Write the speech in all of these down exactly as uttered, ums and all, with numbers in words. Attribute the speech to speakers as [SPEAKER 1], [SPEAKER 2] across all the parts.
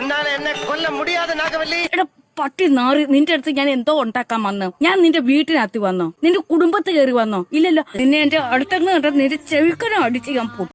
[SPEAKER 1] പട്ടി നാറി നിന്റെ അടുത്ത് ഞാൻ എന്തോ ഉണ്ടാക്കാൻ വന്നോ? ഞാൻ നിന്റെ വീട്ടിനകത്ത് വന്നോ? നിന്റെ കുടുംബത്ത് കയറി വന്നോ? ഇല്ലല്ലോ. നിന്നെ എന്റെ അടുത്തങ്ങ് കണ്ട നിന്റെ ചെവിക്കനും അടിച്ച് ഞാൻ പൊട്ടും.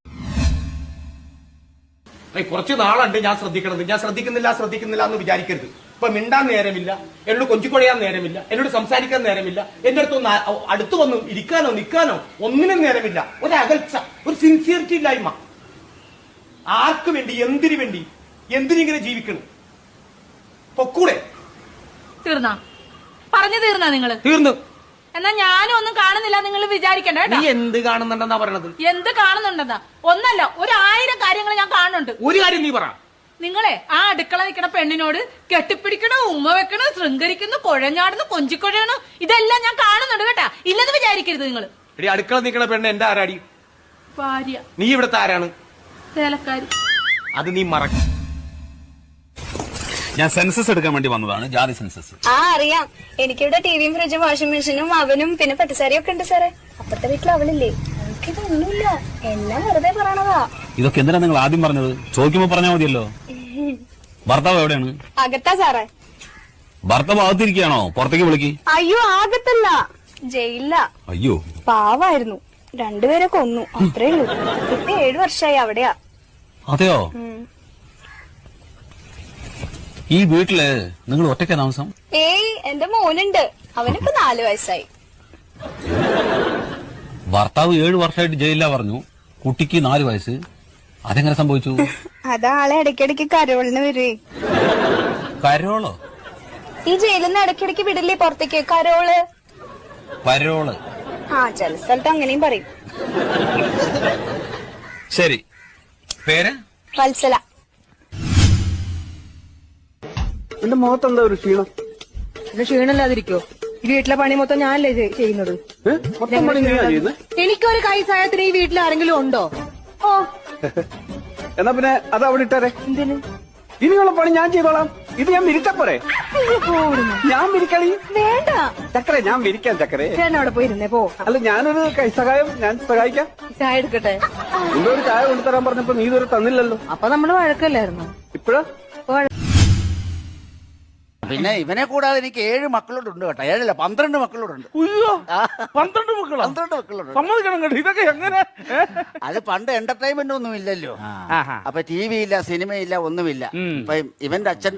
[SPEAKER 2] കുറച്ച് നാളുണ്ട് ഞാൻ ശ്രദ്ധിക്കണത്. ഞാൻ ശ്രദ്ധിക്കുന്നില്ല ശ്രദ്ധിക്കുന്നില്ല എന്ന് വിചാരിക്കരുത്. ഇപ്പൊ മിണ്ടാൻ നേരമില്ല, എന്നോട് കൊഞ്ചിക്കൊഴയാൻ നേരമില്ല, എന്നോട് സംസാരിക്കാൻ നേരമില്ല, എന്റെ അടുത്തൊന്ന് അടുത്ത് വന്ന് ഇരിക്കാനോ നിൽക്കാനോ ഒന്നിനും നേരമില്ല. ഒരു അകൽച്ച, ഒരു സിൻസിയറിറ്റി ഇല്ലായ്മ. ആർക്ക് വേണ്ടി, എന്തിനു വേണ്ടി, എന്തിനിങ്ങനെ ജീവിക്കണം? പൊക്കൂടെ?
[SPEAKER 3] തീർന്നാ പറഞ്ഞു തീർന്നാ നിങ്ങള്?
[SPEAKER 2] തീർന്നു.
[SPEAKER 3] എന്നാ ഞാനും ഒന്നും കാണുന്നില്ല നിങ്ങൾ വിചാരിക്കണ്ട.
[SPEAKER 2] നീ എന്ത് കാണുന്നുണ്ടെന്നാ പറയണത്?
[SPEAKER 3] എന്ത് കാണുന്നുണ്ടെന്നാ? ഒന്നല്ല, ഒരു ആയിരം കാര്യങ്ങൾ ഞാൻ കാണുന്നുണ്ട്.
[SPEAKER 2] ഒരു കാര്യം നീ പറ.
[SPEAKER 3] നിങ്ങളെ ആ അടുക്കള നിൽക്കണ പെണ്ണിനോട് കെട്ടിപ്പിടിക്കണോ, ഉമ്മ വെക്കണോ, ശൃംഗരിക്കുന്നു, കുഴഞ്ഞാടുന്നു, കൊഞ്ചിക്കൊഴയണോ, ഇതെല്ലാം ഞാൻ കാണുന്നുണ്ട് കേട്ടാ. ഇല്ലെന്ന് വിചാരിക്കരുത് നിങ്ങൾ.
[SPEAKER 2] എടി, അടുക്കള നിൽക്കണ പെണ്ണ് എന്റെ ആരാടി?
[SPEAKER 3] ഭാര്യ.
[SPEAKER 2] നീ ഇവിടുത്തെ ആരാണ്?
[SPEAKER 3] വേലക്കാരി.
[SPEAKER 2] അത് നീ മറക്ക.
[SPEAKER 4] ഞാൻ സെൻസസ് എടുക്കാൻ വേണ്ടി വന്നതാണ്, ജാതി സെൻസസ്.
[SPEAKER 5] ആ അറിയാം. എനിക്കിവിടെ ടിവിയും ഫ്രിഡ്ജും വാഷിംഗ് മെഷീനും അവനും പിന്നെ പട്ടിസാരിയും ഒക്കെ ഉണ്ട് സാറേ. അപ്പുറത്തെ വീട്ടിൽ അവളില്ലേ, അവൾക്കിതൊന്നുമില്ല, എല്ലാം വെറുതെ പറയണതാ.
[SPEAKER 4] ഇതൊക്കെ എന്തിനാ നിങ്ങൾ ആദ്യം പറഞ്ഞത്? ചോദിക്കുമ്പോ പറഞ്ഞാൽ മതിയല്ലോ. ഭർത്താവ് എവിടെയാണ്?
[SPEAKER 5] അകത്താ സാറേ.
[SPEAKER 4] ഭർത്താവ് അകത്തിരിക്കുകയാണോ? പുറത്തേക്ക് വിളിക്ക്.
[SPEAKER 5] അയ്യോ, ആകത്തല്ല, ജയിലില്ല.
[SPEAKER 4] അയ്യോ,
[SPEAKER 5] പാവായിരുന്നു. രണ്ടുപേരെ കൊന്നു, അത്രേ ഉള്ളൂ. ഇപ്പൊ ഏഴു വർഷമായി അവിടെയാ.
[SPEAKER 4] അതെയോ? ഈ വീട്ടില് നിങ്ങൾ ഒറ്റയ്ക്ക് താമസം?
[SPEAKER 5] ഏയ്, എന്റെ മോനുണ്ട്, അവനിപ്പോ നാലു വയസ്സായി.
[SPEAKER 4] ഭർത്താവ് ഏഴു വർഷമായിട്ട് ജയിലിലാ പറഞ്ഞു, കുട്ടിക്ക് നാലു വയസ്സ്. അതെങ്ങനെ സംഭവിച്ചു?
[SPEAKER 5] അതാളെ ഇടയ്ക്കിടയ്ക്ക് കരോളിന് വരുവേ.
[SPEAKER 4] കരോളോ?
[SPEAKER 5] ഈ ജയിലിൽ നിന്ന് ഇടയ്ക്കിടയ്ക്ക് വിടില്ലേ പുറത്തേക്ക്, കരോള്.
[SPEAKER 4] പരോള്?
[SPEAKER 5] ആ, ചില സ്ഥലത്ത് അങ്ങനെയും പറയും.
[SPEAKER 4] ശരി, പേര്?
[SPEAKER 5] വത്സല.
[SPEAKER 6] എന്റെ മുഖത്ത് എന്താ ഒരു ക്ഷീണം?
[SPEAKER 7] പിന്നെ ക്ഷീണമില്ലാതിരിക്കോ? ഈ വീട്ടിലെ പണി മൊത്തം ഞാനല്ലേ ചെയ്യുന്നത്. എനിക്കൊരു കൈ സഹായത്തിന് ഈ വീട്ടിൽ ആരെങ്കിലും ഉണ്ടോ? ഓ,
[SPEAKER 6] എന്നാ പിന്നെ അത് അവിടെ ഇട്ടേ.
[SPEAKER 7] എന്തിന്?
[SPEAKER 6] ഇനിയുള്ള പണി ഞാൻ ചെയ്തോളാം. ഇത് ഞാൻ വിരിച്ചപ്പോരെ? ഞാൻ വിരിക്കണി.
[SPEAKER 7] വേണ്ട
[SPEAKER 6] ചക്കരെ, ഞാൻ വിരിക്കാം ചക്കരെ.
[SPEAKER 7] ചേട്ടൻ അവിടെ പോയിരുന്നേ പോ.
[SPEAKER 6] അല്ല, ഞാനൊരു കൈ സഹായം ഞാൻ സഹായിക്കാം.
[SPEAKER 7] ചായ എടുക്കട്ടെ?
[SPEAKER 6] നിന്നൊരു ചായ കൊണ്ടുതരാൻ പറഞ്ഞപ്പോ നീ ഇതുവരെ തന്നില്ലല്ലോ.
[SPEAKER 7] അപ്പൊ നമ്മള് വഴക്കല്ലായിരുന്നു.
[SPEAKER 6] ഇപ്പഴാ?
[SPEAKER 8] പിന്നെ ഇവനെ കൂടാതെ എനിക്ക് ഏഴ് മക്കളോടുണ്ട് കേട്ടോ. ഏഴല്ല, പന്ത്രണ്ട് മക്കളോടുണ്ട്.
[SPEAKER 6] പന്ത്രണ്ട് മക്കളോ?
[SPEAKER 8] പന്ത്രണ്ട് മക്കളോട്.
[SPEAKER 6] സമ്മതിക്കണം കേട്ടോ. ഇതൊക്കെ എങ്ങനെ?
[SPEAKER 8] അത് പണ്ട് എന്റർടൈൻമെന്റ് ഒന്നും ഇല്ലല്ലോ. അപ്പൊ ടി വി ഇല്ല, സിനിമയില്ല, ഒന്നുമില്ല. അപ്പൊ ഇവന്റെ അച്ഛൻ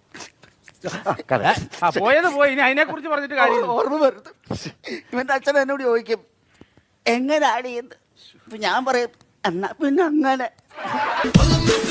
[SPEAKER 6] പോയത് പോയി, ഇനി അതിനെ കുറിച്ച് പറഞ്ഞിട്ട് കാര്യം
[SPEAKER 8] ഓർമ്മ വരുന്നത്. ഇവന്റെ അച്ഛൻ എന്നോട് ചോദിക്കും എങ്ങനെ ആടിയെന്ന്. അപ്പൊ ഞാൻ പറയും എന്നാ പിന്നെ അങ്ങനെ.